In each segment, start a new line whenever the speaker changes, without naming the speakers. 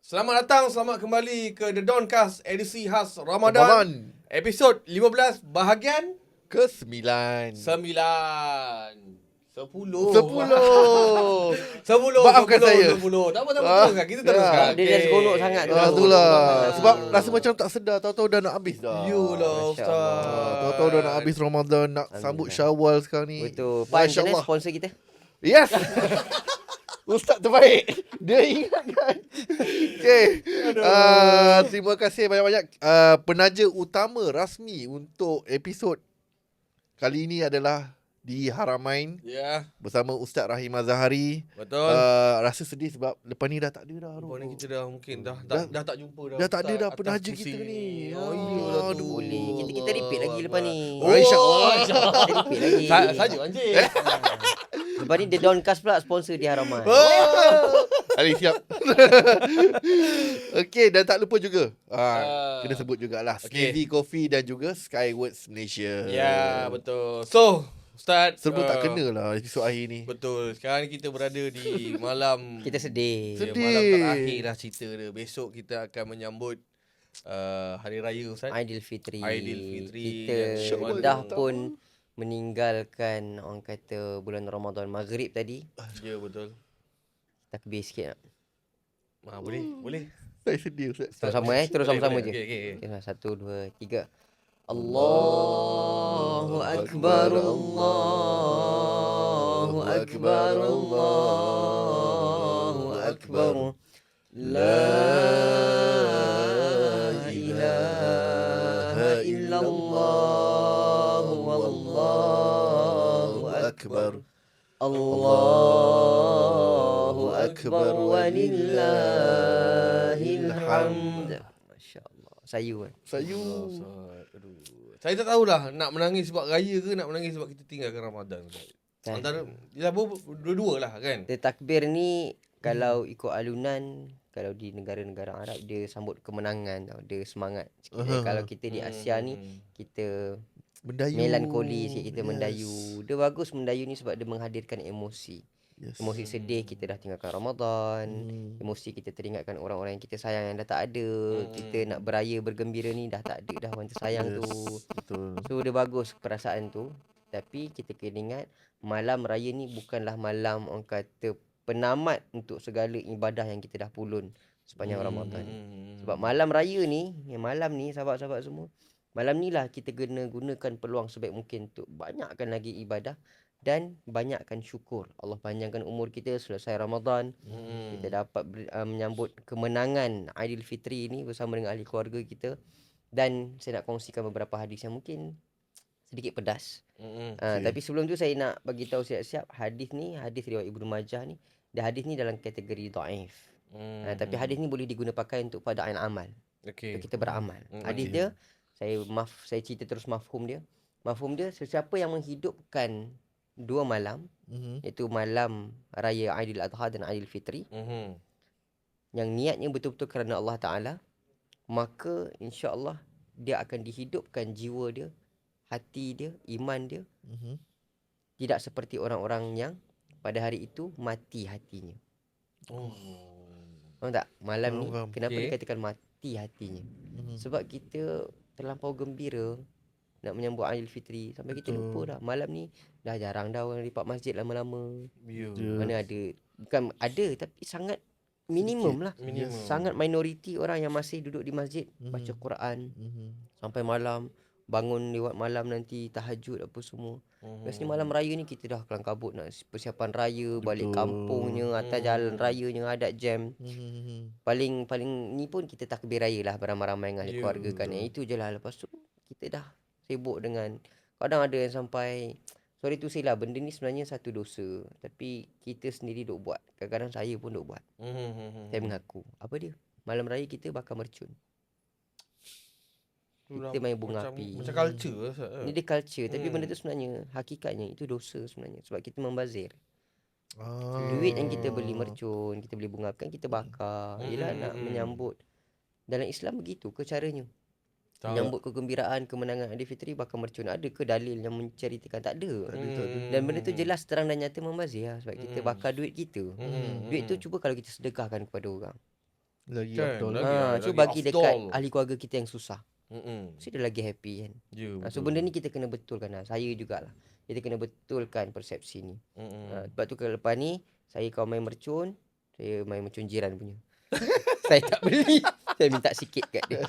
Selamat datang, selamat kembali ke The Dawncast edisi khas Ramadan. Episod 15 bahagian
ke-9.
9. 10. 10.
Maafkan saya.
10. Tak apa, teruskan. Kita teruskan.
Dia dah seronok sangat tu.
Itulah. Sebab rasa macam tak sedar, tahu-tahu dah nak habis dah.
Yulah
Masya
Ustaz.
Allah.
Tahu-tahu dah nak habis Ramadan, nak sambut Syawal sekarang ni.
Betul. Pan
Masya
macam mana
Allah.
sponsor kita?
Yes. Ustaz terbaik. Dia ingatkan. Okay. Terima kasih banyak-banyak. Penaja utama rasmi untuk episod kali ini adalah di Haramain
Ya,
bersama Ustaz Rahim Azhari.
betul.
Rasa sedih sebab lepas ni dah tak ada dah.
Lepas ni kita dah mungkin dah tak jumpa dah.
Dah tak ada
Ustaz
dah
atas
penaja
kursi
kita ni.
Oh iyalah tu.
Aduh.
Boleh. Kita repeat lagi lepas ni.
Oh, InsyaAllah.
Kita repeat lagi.
Saja anjing.
Lepas ni The Dawncast pula sponsor di Haraman.
Ali siap. Okey, dan tak lupa juga. Kena sebut jugalah
Okey.
Sneezy Coffee dan juga Skywords Malaysia.
Ya, betul. So, Ustaz,
Sebut tak kena lah episod akhir ni.
betul. Sekarang ni kita berada di malam
Kita sedih.
Sedih.
malam terakhir lah cerita dia. Besok kita akan menyambut Hari Raya Ustaz.
Aidilfitri.
Aidilfitri.
Kita
Syawal
dah
datang.
pun meninggalkan orang kata bulan Ramadan Maghrib tadi.
Ya, betul.
Takbir sikit nak.
Boleh.
Saya sedih Ustaz.
Sama-sama terus
Boleh,
sama-sama
boleh.
je.
Okey.
Okay, 1, 2, 3. Allahu Akbar, Allahu Akbar, Allahu Akbar. La ilaha illallah wallahu akbar. Allahu Akbar walillahil hamd. Masya-Allah. Sayu kan.
Sayu.
Ustaz, aduh. Saya tak tahulah nak menangis sebab raya ke nak menangis sebab kita tinggalkan Ramadan. Ustaz.
Kan?
Antara ya dua-dua lah kan.
Dia takbir ni kalau ikut alunan, kalau di negara-negara Arab dia sambut kemenangan tau. Dia semangat sikit. Kalau kita di Asia ni kita
Mendayu.
melankoli sikit, kita mendayu. Dia bagus mendayu ni sebab dia menghadirkan emosi.
Yes.
Emosi sedih kita dah tinggalkan Ramadan. Emosi kita teringatkan orang-orang yang kita sayang yang dah tak ada. Kita nak beraya bergembira ni dah tak ada dah orang tersayang tu.
Betul.
So dia bagus perasaan tu. Tapi kita kena ingat malam raya ni bukanlah malam orang kata penamat untuk segala ibadah yang kita dah pulun sepanjang Ramadan. Sebab malam raya ni, malam ni sahabat-sahabat semua, malam ni lah kita kena gunakan peluang sebaik mungkin untuk banyakkan lagi ibadah dan banyakkan syukur. Allah panjangkan umur kita selesai Ramadan. Kita dapat menyambut kemenangan Aidilfitri ni bersama dengan ahli keluarga kita. Dan saya nak kongsikan beberapa hadis yang mungkin sedikit pedas. Tapi sebelum tu saya nak bagi tahu siap-siap hadis ni, hadis riwayat Ibnu Majah ni, dan hadis ni dalam kategori dhaif. Tapi hadis ni boleh diguna pakai untuk fada'il amal.
Okey.
Untuk kita beramal. Hadis dia saya cerita terus mafhum dia. Mafhum dia sesiapa yang menghidupkan dua malam, iaitu malam raya Aidil Adha dan Aidilfitri, yang niatnya betul-betul kerana Allah Ta'ala, maka insya-Allah dia akan dihidupkan jiwa dia, hati dia, iman dia, tidak seperti orang-orang yang pada hari itu mati hatinya. Faham tak? Malam ni
Faham.
kenapa
Okey.
dikatakan mati hatinya? Sebab kita terlampau gembira nak menyambut Aidilfitri sampai kita lupa dah malam ni dah jarang dah orang lipat masjid lama-lama.
Ya.
Mana ada, bukan ada tapi sangat minimum lah.
Minimum.
Sangat minoriti orang yang masih duduk di masjid baca Quran sampai malam, bangun lewat malam nanti tahajud apa semua. Biasanya malam raya ni kita dah kelang kabut nak persiapan raya, balik kampungnya, atas jalan rayanya ada jam. Paling ni pun kita takbir raya lah beramai-ramai dengan ahli keluarga kan. Itu je lah. Lepas tu kita dah sibuk dengan, kadang ada yang sampai, sorry tu say lah, benda ni sebenarnya satu dosa, tapi kita sendiri duk buat. Kadang-kadang saya pun duk buat. Saya mengaku. Apa dia? Malam raya kita bakar mercun. Kita main bunga api.
Macam culture lah, Ustaz.
Ni dia culture, tapi benda tu sebenarnya hakikatnya itu dosa sebenarnya sebab kita membazir. Duit yang kita beli mercun, kita beli bunga api kan kita bakar. Yelah nak menyambut. Dalam Islam begitu ke caranya? Menyambut kegembiraan kemenangan Aidilfitri bakar mercun. Ada ke dalil yang menceritakan? Tak ada. Dan benda tu jelas terang dan nyata membazir lah, sebab kita bakar duit kita. Duit tu cuba kalau kita sedekahkan kepada orang.
Lagi
Kan,
afdol.
lagi.
So bagi
afdol.
dekat ahli keluarga kita yang susah.
Mm-mm.
So dia lagi happy kan.
Ya,
So benda ni kita kena betulkan lah. Saya jugalah. Kita kena betulkan persepsi ni. Sebab tu kalau lepas ni saya kalau main mercun, saya main mercun jiran punya. Saya tak beli. Saya minta sikit kat dia.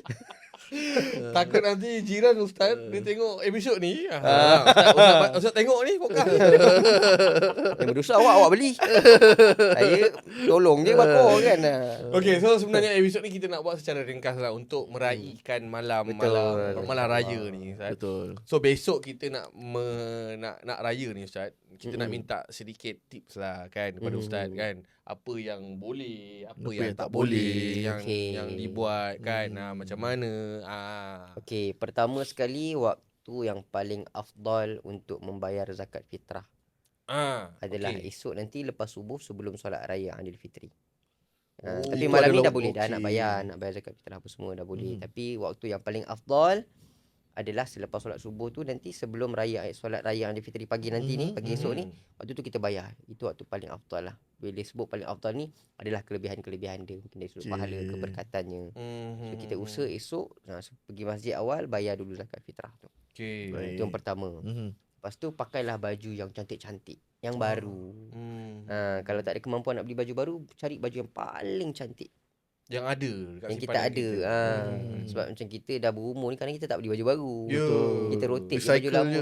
Takut nanti jiran Ustaz dia tengok episod ni. Ustaz tengok ni podcast.
Yang berdosa awak beli. Saya tolong dia bakar kan.
Okay, so sebenarnya episod ni kita nak buat secara ringkas lah untuk meraihkan malam raya ni, Ustaz.
Betul.
So besok kita nak nak raya ni, Ustaz. Kita nak minta sedikit tips lah kan kepada Ustaz kan. Apa yang boleh, apa yang tak boleh, yang dibuat kan. Macam mana.
Okey, pertama sekali waktu yang paling afdal untuk membayar zakat fitrah adalah esok nanti lepas subuh sebelum solat raya Aidilfitri. Tapi malam ni dah boleh dah nak bayar zakat fitrah apa semua dah boleh. Tapi waktu yang paling afdal adalah selepas solat subuh tu nanti sebelum solat raya Aidilfitri pagi nanti ni, pagi esok ni, waktu tu kita bayar. Itu waktu paling afdal lah. Bila sebut paling afdal ni adalah kelebihan-kelebihan dia, mungkin dari sudut pahala, keberkatannya. So kita usaha esok pergi masjid awal bayar dulu zakat fitrah tu. Itu yang pertama. Lepas tu pakailah baju yang cantik-cantik, yang baru. Kalau tak ada kemampuan nak beli baju baru, cari baju yang paling cantik
yang ada
yang kita ada. Sebab macam kita dah berumur ni, kadang kita tak beli baju baru. Kita rotate baju lama.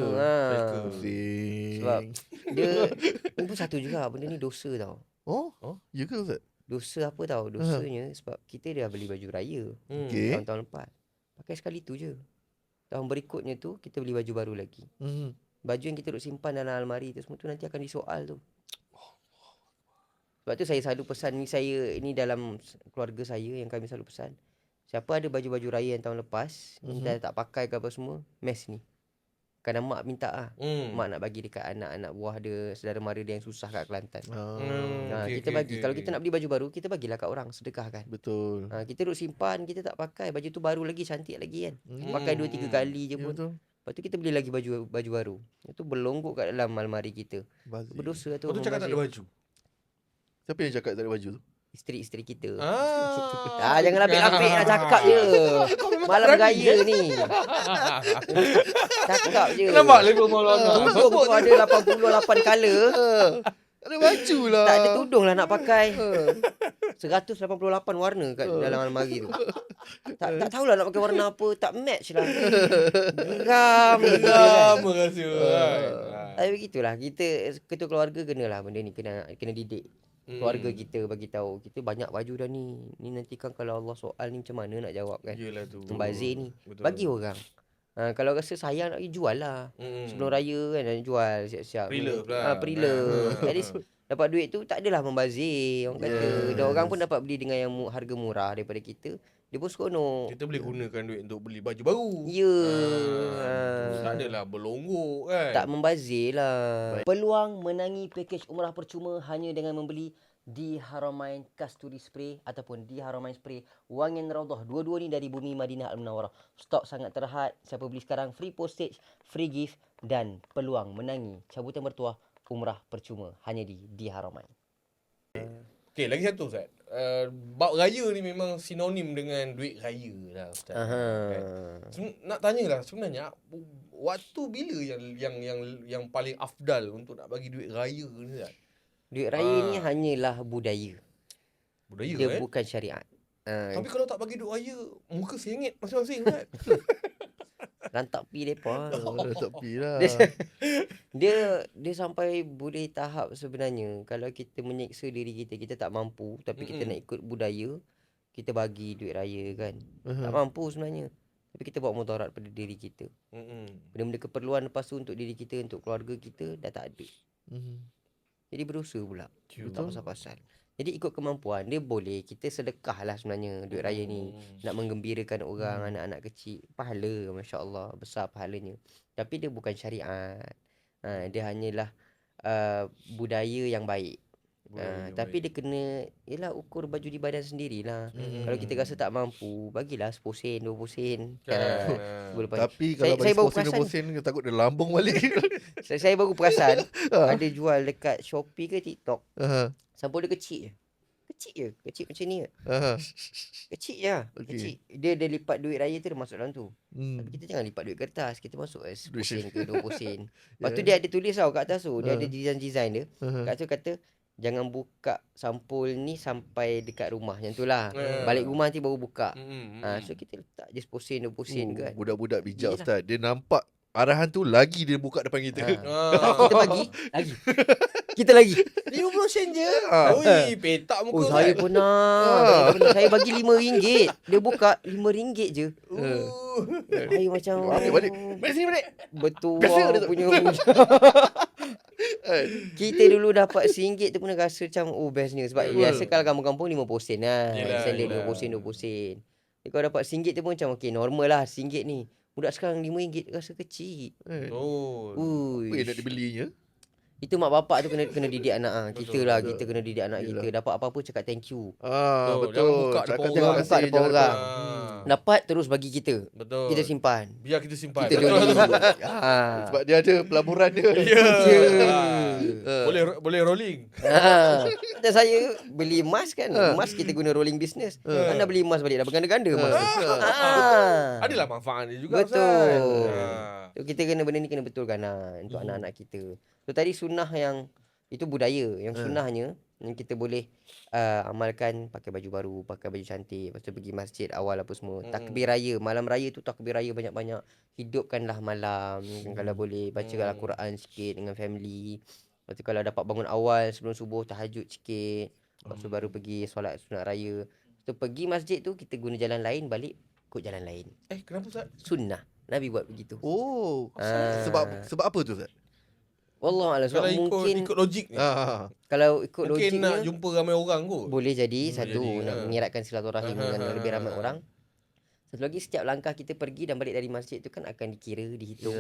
Sebab dia ni pun satu juga, benda ni dosa tau.
Ya ke Ustaz?
Dosa apa tau? Dosanya sebab kita dah beli baju raya tahun-tahun lepas. Pakai sekali tu je. Tahun berikutnya tu kita beli baju baru lagi. Baju yang kita duk simpan dalam almari tu semua tu nanti akan disoal tu. Sebab tu saya selalu pesan ni, ini dalam keluarga saya yang kami selalu pesan. Siapa ada baju-baju raya yang tahun lepas, dah tak pakai ke apa semua, mes ni. Kerana mak minta lah. Mak nak bagi dekat anak-anak buah dia, saudara mara dia yang susah kat Kelantan. Kita bagi. Kalau kita nak beli baju baru, kita bagilah kat orang, sedekahkan.
Betul.
Kita duk simpan, kita tak pakai. Baju tu baru lagi, cantik lagi kan. Pakai 2-3 kali je pun.
Betul.
Lepas tu kita beli lagi baju baru. Itu berlonggok kat dalam almari kita. Berdosa tu.
Lepas tu cakap tak ada baju.
Siapa yang cakap tak ada baju tu?
Isteri-isteri kita. Jangan lapik-lapik nak cakap je. Malam raya ni. Cakap je.
Nampak level malam.
Tudung tu ada 88 colour.
Ada baju lah.
Tak ada tudung lah nak pakai. 188 warna kat dalam almari tu. Tak tahulah nak pakai warna apa. Tak match lah. Geram
rasa.
Tapi begitulah. Kita ketua keluarga kenalah benda ni. Kena didik keluarga kita, bagi tahu kita banyak baju dah ni nanti kan kalau Allah soal ni macam mana nak jawab kan.
Yelah tu.
Membazir ni. Bagi orang. Kalau rasa sayang nak jual lah. Sebelum raya kan nak jual siap-siap. Prelude. At least dapat duit tu tak adalah membazir orang kata. Dan orang pun dapat beli dengan yang harga murah daripada kita. Dia pun seronok.
Kita boleh gunakan duit untuk beli baju baru. Tak adalah berlonggok kan.
Tak membazir lah. Peluang menangi pakej umrah percuma hanya dengan membeli di Haramain Kasturi Spray ataupun di Haramain Spray Wangian Raudhah. Dua-dua ni dari Bumi Madinah Al-Munawwarah. Stok sangat terhad. Siapa beli sekarang free postage, free gift dan peluang menangi cabutan bertuah umrah percuma hanya di Haramain.
Okay, lagi satu Ustaz. Bab raya ni memang sinonim dengan duit raya lah Ustaz. Nak tanyalah sebenarnya waktu bila yang paling afdal untuk nak bagi duit raya ni Ustaz?
Duit raya ni hanyalah budaya. Dia bukan syariat.
Tapi kalau tak bagi duit raya, muka sengit masing-masing kan?
Rantak pi depa.
Tak pi lah.
Dia sampai boleh tahap sebenarnya kalau kita menyeksa diri kita, kita tak mampu tapi kita nak ikut budaya, kita bagi duit raya kan. Tak mampu sebenarnya. Tapi kita buat mudarat pada diri kita. Benda-benda keperluan lepas tu untuk diri kita, untuk keluarga kita dah tak ada. Jadi berdosa pula. Tak pasal-pasal. Jadi ikut kemampuan dia boleh kita sedekah lah sebenarnya duit raya ni nak menggembirakan orang, anak-anak kecil, pahala masya-Allah besar pahalanya. Tapi dia bukan syariat. Dia hanyalah budaya yang baik. Tapi dia kena ukur baju di badan sendirilah. Kalau kita rasa tak mampu, bagilah 10 sen, 20 sen.
Tapi kalau bagi 10 sen takut dia lambung balik.
Saya baru perasan ada jual dekat Shopee ke TikTok. Sampul dia kecil je. kecil je. Kecil macam ni je.
Aha.
Kecil je.
Okey.
Kecil. Dia lipat duit raya tu dia masuk dalam tu.
Hmm.
Tapi kita jangan lipat duit kertas. Kita masuk 10
Duit
sen ke 20 sen. Lepas tu
Ya.
dia ada tulis tau kat atas tu. Dia ada design-design dia.
Aha.
Kat tu kata jangan buka sampul ni sampai dekat rumah. Yang tu lah.
Ya.
Balik rumah nanti baru buka.
Hmm.
So kita letak je 10 sen 20 sen kan.
Budak-budak bijak
Yelah.
Ustaz. Dia nampak arahan tu lagi dia buka depan kita.
Kita bagi lagi. Kita lagi.
50 sen je.
Ah.
Oi, petak muka.
Oh, saya pernah. Saya bagi RM5. Dia buka RM5 je. Saya macam
Balik. Balik sini balik.
betul
Biasa
lah
dia tu.
punya. Kita dulu dapat RM1 tu pun rasa macam bestnya. Sebab biasa kalau kampung-kampung 50 sen lah.
Yelah,
Standard
yelah.
20 sen 20 sen. Jadi kalau dapat RM1 tu pun macam okey normal lah RM1 ni. Budak sekarang RM5 rasa kecil.
Oh.
Apa yang nak
Uish.
dibelinya?
Itu mak bapak tu kena didik anak ah. Kita
Betul,
lah
betul.
kita kena didik anak
Yelah.
kita. Dapat apa-apa cakap thank you.
Betul.
Betul.
Jangan buka
Cakap
depan
terima
orang.
kasih,
Buka depan
jangan
orang.
depan.
Dapat terus bagi kita.
Betul.
Kita simpan.
Biar kita simpan.
Kita
Betul.
joli.
Sebab dia ada pelaburan dia.
Ya.
Ya.
Boleh rolling.
Dan saya beli emas kan. Emas kita guna rolling business. Anda beli emas balik dah berganda-ganda emas.
Adalah manfaat dia juga.
Betul.
Ustaz.
So, kita kena benda ni kena betulkan lah untuk anak-anak kita. So tadi sunnah yang itu budaya. Yang sunnahnya yang kita boleh amalkan pakai baju baru, pakai baju cantik, lepas tu pergi masjid awal apa semua. Takbir raya, malam raya tu takbir raya banyak-banyak. Hidupkanlah malam. Kalau boleh bacakan Al-Quran sikit dengan family. Lepas tu kalau dapat bangun awal sebelum subuh tahajud sikit. Lepas tu baru pergi solat sunat raya. Lepas tu pergi masjid tu kita guna jalan lain, balik ikut jalan lain.
Kenapa Ustaz?
Sunnah. Nabi buat begitu.
Oh,
Ah.
sebab apa tu Ustaz?
Wallahualam sebab
Kalau
mungkin
ikut logik ni.
kalau ikut
Mungkin nak
logiknya
jumpa ramai orang kot.
boleh jadi satu
jadi,
nak mengeratkan silaturahim dengan lebih ramai orang. Satu lagi setiap langkah kita pergi dan balik dari masjid tu kan akan dikira, dihitung.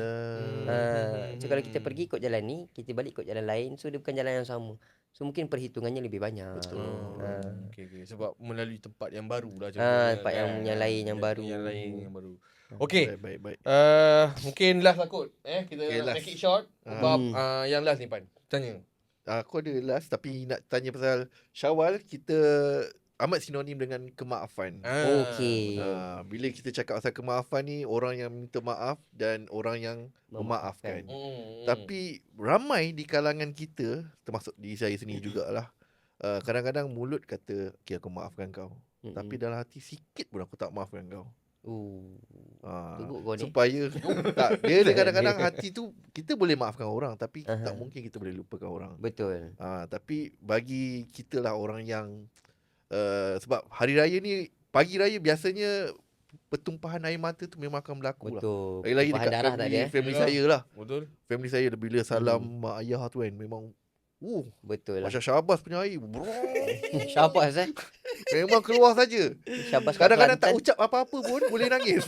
So kalau kita pergi ikut jalan ni, kita balik ikut jalan lain, so dia bukan jalan yang sama. So mungkin perhitungannya lebih banyak.
Okay. Sebab melalui tempat yang baru lah.
Tempat yang lain yang baru.
Yang lain yang baru. Okay.
Baik.
Mungkin last lah kot. Kita
Okay,
nak
last.
make it short. Sebab yang last ni Pan. Tanya.
Aku ada last tapi nak tanya pasal Syawal kita amat sinonim dengan kemaafan.
Okey.
Bila kita cakap pasal kemaafan ni, orang yang minta maaf dan orang yang memaafkan. Tapi ramai di kalangan kita, termasuk diri saya sendiri jugalah, kadang-kadang mulut kata, okay aku maafkan kau. Tapi dalam hati sikit pun aku tak maafkan kau.
Teruk kau ni.
Supaya tak, dia kadang-kadang hati tu kita boleh maafkan orang tapi tak mungkin kita boleh lupakan orang.
Betul.
Tapi bagi kita lah orang yang sebab hari raya ni, pagi raya biasanya pertumpahan air mata tu memang akan berlaku lah.
Betul.
Lagi-lagi
Tumpahan
dekat
darah
family,
tadi,
family
Yalah.
saya lah.
Betul.
Family saya bila salam mak ayah tu kan memang
Betul lah.
macam Syabas punya air
Syabas
memang keluar saja.
Syabas kat
Kadang-kadang tak
Kelantan.
ucap apa-apa pun boleh nangis.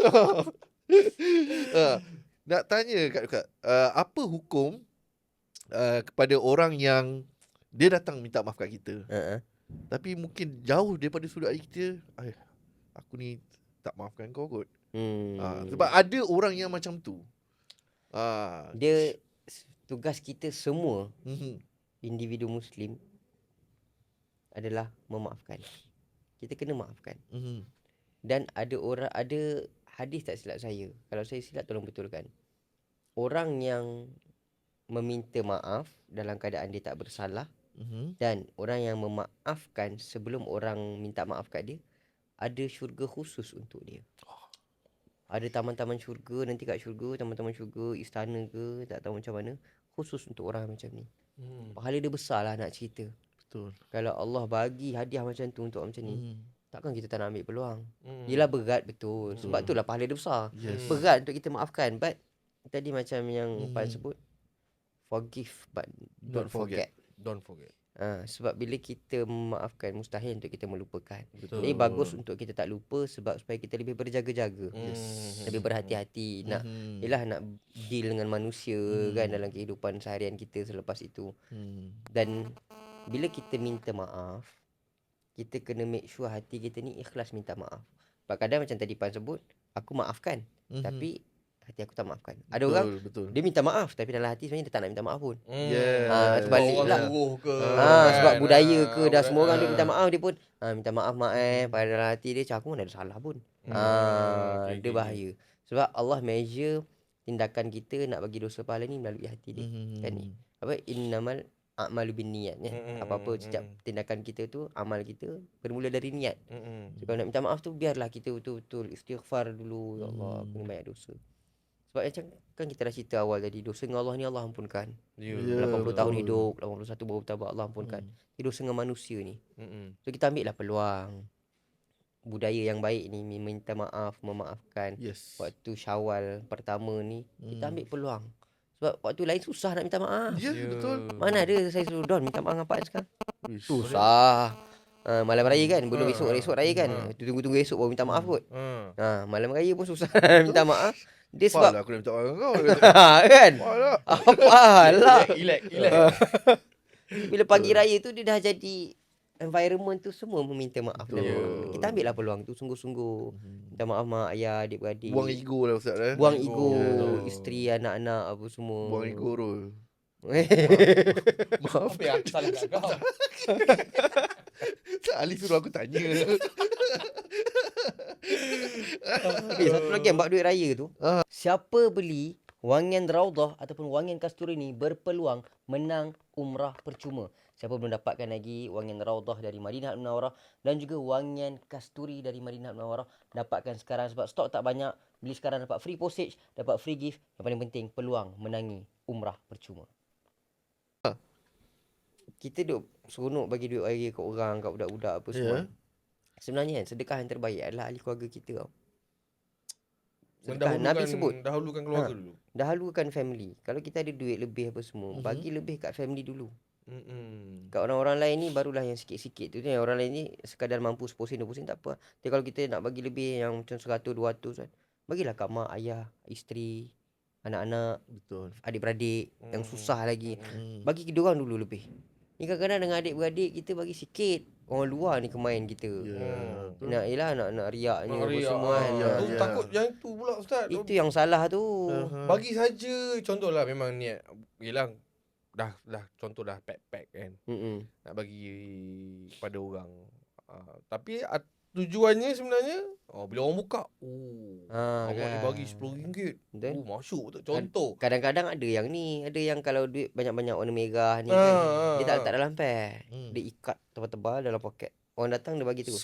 Nak tanya Kak, apa hukum kepada orang yang dia datang minta maaf kat kita, tapi mungkin jauh daripada sudut hati kita, aku ni tak maafkan kau kot. Sebab ada orang yang macam tu.
Dia tugas kita semua
Mhm.
individu Muslim adalah memaafkan. Kita kena maafkan.
Mhm.
Dan ada hadis tak silap saya. Kalau saya silap tolong betulkan. Orang yang meminta maaf dalam keadaan dia tak bersalah
Mhm.
dan orang yang memaafkan sebelum orang minta maaf kat dia, ada syurga khusus untuk dia. Ada taman-taman syurga nanti kat syurga, taman-taman syurga, istana ke, tak tahu macam mana, khusus untuk orang macam ni. Pahala dia besar lah nak cerita.
Betul.
Kalau Allah bagi hadiah macam tu untuk orang macam ni, takkan kita tak nak ambil peluang.
Hmm.
Yelah berat betul. Sebab itulah pahala dia besar.
Yes.
Berat untuk kita maafkan. But tadi macam yang Pan sebut, forgive but don't forget.
Don't forget.
Sebab bila kita memaafkan, mustahil untuk kita melupakan.
Betul.
Jadi bagus untuk kita tak lupa sebab supaya kita lebih berjaga-jaga. Lebih berhati-hati. Nak yelah nak deal dengan manusia kan dalam kehidupan seharian kita selepas itu. Dan bila kita minta maaf, kita kena make sure hati kita ni ikhlas minta maaf. Sebab kadang macam tadi Pan sebut, aku maafkan. Tapi hati aku tak maafkan. Ada orang
betul.
dia minta maaf tapi dalam hati sebenarnya dia tak nak minta maaf pun.
Yeah.
Sebalik
orang
pula.
suruh ke.
Sebab
kan?
budaya ke dah semua orang dia
Ah.
minta maaf, dia pun minta maaf mak pada dalam hati dia macam aku mana ada salah pun.
Okay,
Dia bahaya. Sebab Allah measure tindakan kita nak bagi dosa pahala ni melalui hati dia. Kan ni. Apa innamal a'malu binniyat ya. Apa-apa setiap tindakan kita tu, amal kita bermula dari niat. So, kalau nak minta maaf tu biarlah kita betul-betul istighfar dulu. Ya Allah, aku ni banyak dosa. Sebab macam kan kita dah cerita awal tadi, dosa dengan Allah ni Allah ampunkan.
Ya.
80 tahun
betul.
hidup, 81 baru bertaubat, Allah ampunkan. Tapi dosa dengan manusia ni. So kita ambil lah peluang. Budaya yang baik ni minta maaf, memaafkan.
Yes.
Waktu Syawal pertama ni kita ambil peluang. Sebab waktu lain susah nak minta maaf.
Ya, betul.
Mana ada saya suruh Don minta maaf dengan Pak sekarang.
Ish.
Susah. Malam raya kan, belum esok raya kan. Tunggu-tunggu esok baru minta maaf kot. Malam raya pun susah minta maaf. Dia sebab
Apalah aku nak minta maaf dengan kau.
kan.
Apalah.
Apalah.
Relax.
Bila pagi raya tu dia dah jadi environment tu semua meminta maaf.
Betul.
Kita ambil lah peluang tu sungguh-sungguh. Minta maaf mak, ayah, adik-beradik.
Buang ego lah Ustaz.
Buang ego,
Ya.
isteri, anak-anak apa semua.
Buang ego Rul.
Maaf ya, aku salah kat kau.
Ali suruh aku tanya.
Satu lagi yang bab duit raya tu. Siapa beli wangian Raudah ataupun wangian kasturi ni berpeluang menang umrah percuma. Siapa belum dapatkan lagi wangian Raudah dari Madinah Munawwarah dan juga wangian kasturi dari Madinah Munawwarah, dapatkan sekarang sebab stok tak banyak. Beli sekarang dapat free postage, dapat free gift. Yang paling penting peluang menangi umrah percuma. Kita duk seronok bagi duit raya kat orang, kat budak-budak apa semua. Sebenarnya kan sedekah yang terbaik adalah ahli keluarga kita tau. Sedekah Nabi sebut
Dahulukan keluarga dulu.
dahulukan family. Kalau kita ada duit lebih apa semua, bagi lebih kat family dulu. Kat orang-orang lain ni barulah yang sikit-sikit tu. Orang lain ni sekadar mampu 10 sen 20 sen tak apa. Tapi kalau kita nak bagi lebih yang macam 100 200 kan, bagilah kat mak, ayah, isteri, anak-anak,
Betul.
adik-beradik yang susah lagi. Bagi kita orang dulu lebih. Ni kadang-kadang dengan adik-beradik kita bagi sikit. Orang luar ni kemain kita. Nak riaknya apa
Riak,
semua kan.
Tu takut yang itu pula Ustaz.
Itu yang salah tu.
Bagi saja, contohlah memang niat Yelah dah contoh dah pack kan, nak bagi pada orang, tapi tujuannya sebenarnya bila orang buka awak
kan.
ni bagi RM10.
Betul.
Masuk tu contoh.
Kadang-kadang ada yang ni, ada yang kalau duit banyak-banyak warna merah ni kan, dia tak letak dalam pack. Dia ikat tebal-tebal dalam poket. Orang datang dia bagi terus.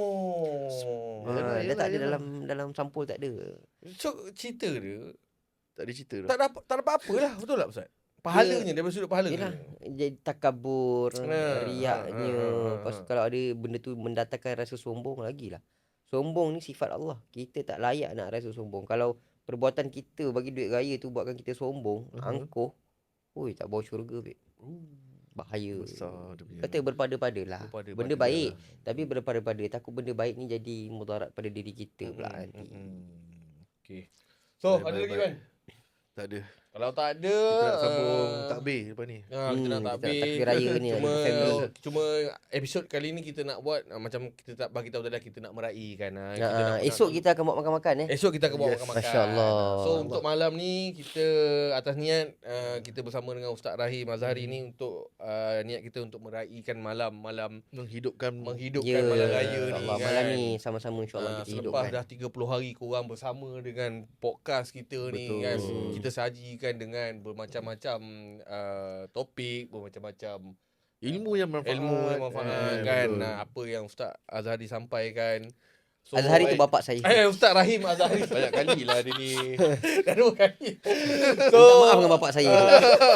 Dia tak ada dalam sampul, tak ada.
So cerita dia
Tak ada cerita
tak dapat apa lah. Betul tak Ustaz? Pahalanya daripada sudut pahala
Yelah,
ni.
jadi takabur, riaknya. Lepas kalau ada benda tu mendatangkan rasa sombong, lagilah. Sombong ni sifat Allah. Kita tak layak nak rasa sombong. Kalau perbuatan kita bagi duit raya tu buatkan kita sombong, angkuh, tak bawa syurga, babe. Bahaya.
Besar dia punya.
Kata berpada-padalah.
Berpada-pada
Benda baik, tapi berpada-pada. Takut benda baik ni jadi mudarat pada diri kita pula nanti.
Okay. So
Baik,
ada
baik,
lagi
baik.
kan?
Tak ada.
Kalau tak ada,
Kita nak sambung takbir lepas ni.
kita nak
Kita nak
takbir.
takbir raya ni family.
Cuma episod kali ni kita nak buat macam kita tak bagi tahu tadi kita nak meraihkan.
Esok kita akan buat makan-makan
Esok kita akan buat makan-makan.
Masya-Allah.
So untuk malam ni kita atas niat kita bersama dengan Ustaz Rahim Azhari ni untuk niat kita untuk meraihkan malam
Menghidupkan
malam raya ni
InsyaAllah
kan.
malam ni sama-sama insyaAllah kita
Selepas
hidupkan.
dah 30 hari korang bersama dengan podcast kita ni
Betul.
kan, kita sajikan dengan bermacam-macam topik, bermacam-macam
ilmu yang manfaat.
kan.
Betul.
Apa yang Ustaz Azhari sampaikan. So,
Azhari tu bapak saya.
Ustaz Rahim Azhari banyak kali lah dia ni. Dah 2 kali.
So, minta maaf dengan bapak saya tu.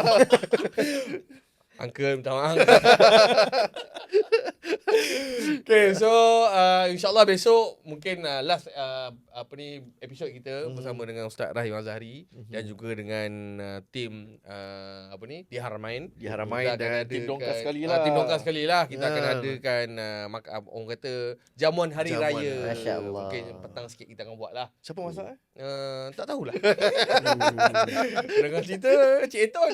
Uncle minta maaf. Okay, so insyaAllah besok mungkin last episod kita bersama dengan Ustaz Rahim Azhari dan juga dengan tim di Haramain.
Di Haramain
Kita akan
dan tim
adakan-
Dongkas sekali lah.
Tim Dongkas sekali lah. Kita akan adakan orang kata jamuan hari
Jamuan.
raya.
Masya Allah.
Mungkin petang sikit kita akan buat lah.
Siapa masak?
Tak tahulah. Dengan cerita Cik Eton.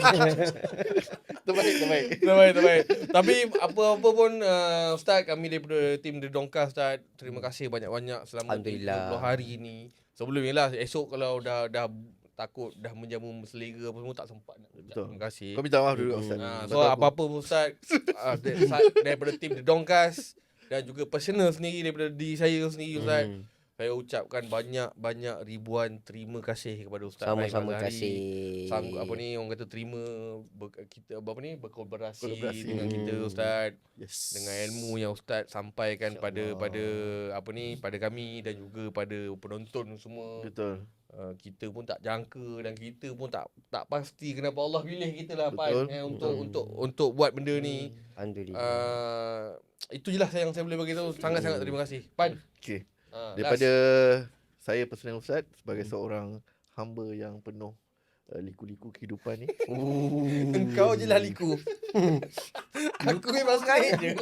Terbaik. Tapi apa-apa pun Ustaz, kami daripada tim The Dongkas Ustaz, terima kasih banyak-banyak selama
Alhamdulillah.
30 hari ni Sebelum ni lah, esok kalau dah takut dah menjamu selera apa semua tak sempat nak ucap
Betul.
terima kasih.
Kau minta maaf dulu Ustaz.
So apa-apa pun Ustaz daripada tim The Dongkas dan juga personal sendiri daripada diri saya sendiri Ustaz. Saya ucapkan banyak ribuan terima kasih kepada Ustaz Rahim
Sama-sama
Azhari.
kasih.
Orang kata terima kita berkolaborasi dengan kita Ustaz.
Yes.
Dengan ilmu yang Ustaz sampaikan pada kami dan juga pada penonton semua.
Betul.
Kita pun tak jangka dan kita pun tak pasti kenapa Allah pilih kita lah
Betul.
Pan untuk buat benda ni.
Alhamdulillah.
Itu je lah yang saya boleh bagi tahu. Sangat-sangat terima kasih. Pan.
Okey.
Daripada
Daripada saya personal Ustaz sebagai seorang hamba yang penuh liku-liku kehidupan ni.
engkau je lah liku. Aku memang straight je.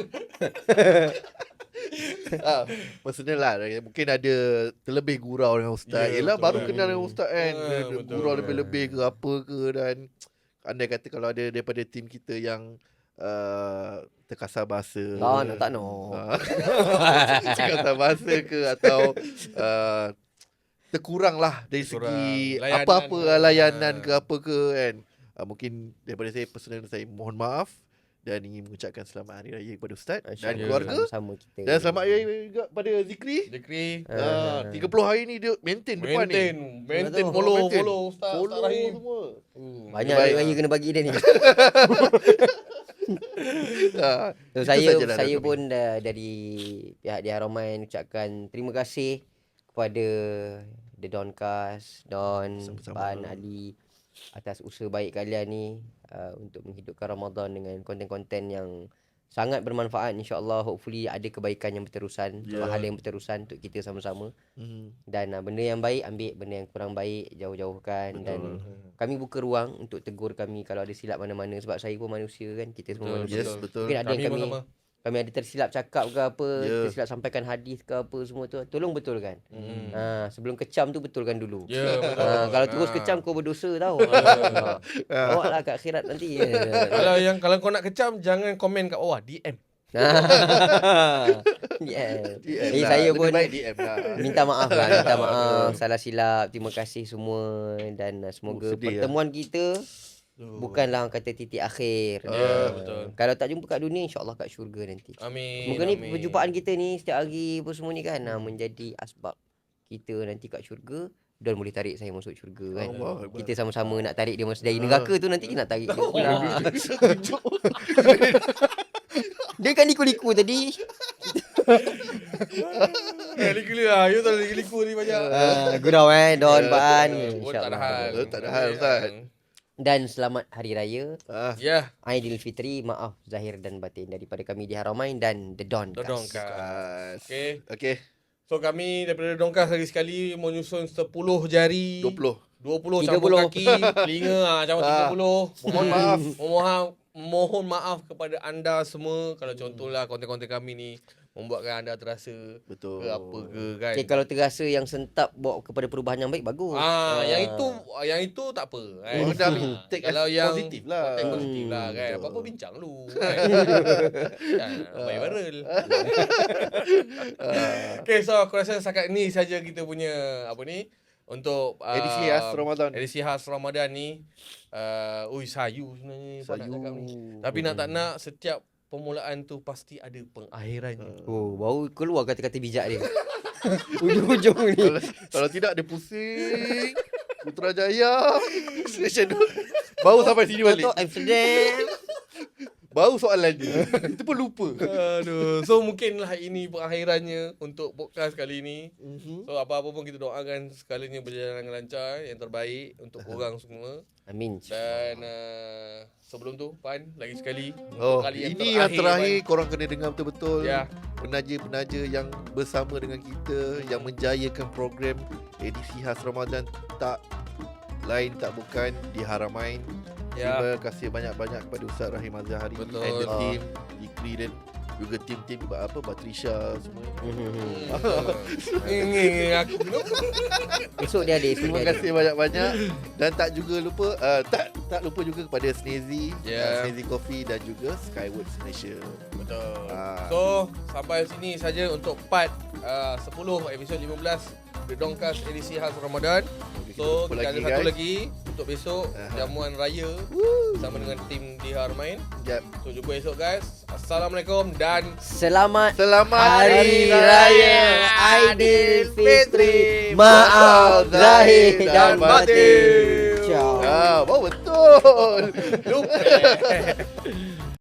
Personal lah. Mungkin ada terlebih gurau dengan Ustaz. Yelah
betul.
baru kenal dengan Ustaz kan.
Betul.
Gurau lebih-lebih ke apa ke. Dan andai kata kalau ada daripada tim kita yang terkasar bahasa.
Tak no.
Terkasar bahasa ke atau terkurang lah dari segi
layanan.
apa-apa layanan ke apa ke kan. Mungkin daripada saya personal saya mohon maaf dan ingin mengucapkan selamat hari raya kepada Ustaz dan keluarga.
Sama kita.
Dan selamat hari raya juga pada Zikri. 30 hari ni dia maintain depan ni.
Maintain follow Ustaz Rahim.
Semua.
Banyak
Baik.
hari raya kena bagi dia ni. So,
Itu
saya
sajalah dari kami.
pun dari pihak Di Haramain ucapkan terima kasih kepada The Dongkas, Don,
Sama-sama.
Pan, Ali atas usaha baik kalian ni untuk menghidupkan Ramadan dengan konten-konten yang sangat bermanfaat, insya-Allah. Hopefully ada kebaikan yang berterusan, pahala yang berterusan untuk kita sama-sama. Dan benda yang baik ambil, benda yang kurang baik jauh-jauhkan. Dan kami buka ruang untuk tegur kami kalau ada silap mana-mana, sebab saya pun manusia kan, kita semua manusia.
Yes, betul.
Mungkin ada yang
Sama.
kami ada tersilap cakap ke apa, tersilap sampaikan hadis ke apa semua tu, tolong betulkan. Sebelum kecam tu betulkan dulu.
Ya, betul.
Kalau terus kecam kau berdosa tau. Awaklah kat akhirat nanti.
Kalau kau nak kecam jangan komen kat bawah, DM.
Saya pun
Lebih baik DM lah.
minta maaf. Salah silap. Terima kasih semua dan semoga
sedih
pertemuan kita bukanlah orang kata titik akhir.
Betul.
Kalau tak jumpa kat dunia, insya-Allah kat syurga nanti.
Amin.
Semoga ni perjumpaan kita ni setiap hari apa semua ni kan menjadi asbab kita nanti kat syurga. Dan boleh tarik saya masuk syurga kan. Kita sama-sama nak tarik dia masuk dari neraka tu, nanti kita nak tarik dia pulang. Dia kan liku-liku tadi.
Liku lah. You tak liku ni banyak.
Gurau Don, Pan.
Tak ada hal.
Tak ada hal Ustaz.
Dan selamat Hari Raya
Ya.
Aidilfitri, maaf zahir dan batin daripada kami Di Haramain dan The Dongkas.
Dongkas.
Okey.
So kami daripada Dongkas lagi sekali menyusun 10 jari 20 campur
30.
kaki telinga macam 30. Mohon maaf kepada anda semua kalau contohlah konten-konten kami ni membuatkan anda terasa
Betul.
ke apa ke kan.
Okay, kalau terasa yang sentap bawa kepada perubahan yang baik, bagus.
Yang itu tak apa kan.
Oh, dah ambil take
Kalau
as
yang
positif lah.
take positif lah kan.
Betul.
Apa-apa bincang dulu kan. Baik viral. Okay, so aku rasa setakat ni saja kita punya untuk
Edisi khas Ramadan.
Edisi khas Ramadan ni. Sayu sebenarnya Pak nak cakap ni. Tapi nak tak nak setiap permulaan tu pasti ada pengakhirannya.
Oh, baru keluar kata-kata bijak dia. Ujung-ujung ni.
Kalau tidak dia pusing. Putrajaya. Station baru sampai sini balik.
Untuk Amsterdam.
Baru soalan dia. Itu pun lupa.
Aduh. So mungkinlah ini pengakhirannya untuk podcast kali ni. So apa-apa pun kita doakan segalanya berjalan dengan lancar, yang terbaik untuk korang semua.
Amin.
Dan sebelum tu Pan, lagi sekali kali
ini yang terakhir
Pan.
korang kena dengar betul-betul.
Ya.
Penaja-penaja yang bersama dengan kita, yang menjayakan program edisi khas Ramadan tak lain tak bukan Di Haramain.
Ya.
Terima kasih banyak-banyak kepada Ustaz Rahim Azhari
Betul.
and the team, Ikri dan juga tim-tim Batrisha semua.
Ini aku
Esok dia ada.
Terima kasih banyak-banyak dan tak lupa juga kepada Snazy, Snazy Coffee dan juga Skywords Malaysia.
Betul. So sampai sini saja untuk part 10 episod 15 The Dongcast edisi khas Ramadan. So
Kita
kita ada
lagi,
satu
guys.
lagi untuk besok jamuan raya bersama dengan tim Dihar main.
Yep.
So jumpa esok guys. Assalamualaikum dan
Selamat
Hari Raya
Aidilfitri. Maaf zahir dan batin. Ciao.
Ah, betul.
lupa.